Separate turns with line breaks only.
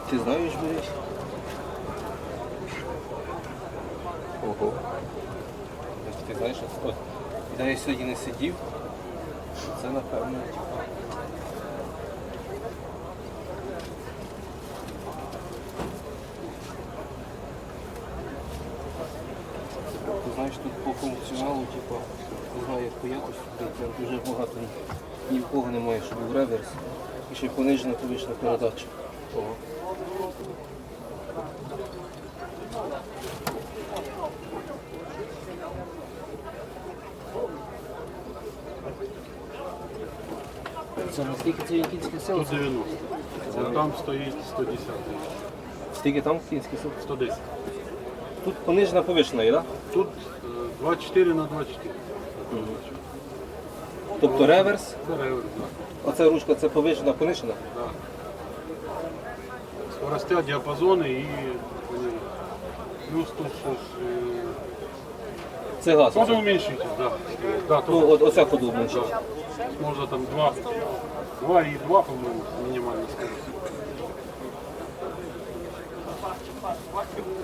Ти знаєш, Борис? Ого. Ти знаєш, от, де я сьогодні не сидів, це напевно. Ти знаєш, тут по функціоналу, типу, не знаю, як по якості, прям дуже багато ні в кого немає, щоб був реверс. І ще й понижена повишена передача. Ого. Це наскільки це кінське сила?
190. А там стоїть 110.
Скільки там кінське сила?
110.
Тут понижена повишена, так? Да?
Тут 24 на 24.
Тобто реверс,
Це реверс, так.
оця ручка це повишена, понижена?
Да. Скоростя, діапазони і плюс тут щось.
Це газ.
Тоже уменьшитель, так. Да,
Ну, оця ходу менше.
да. Можна там 2,2, по-моєму, мінімальна скорость.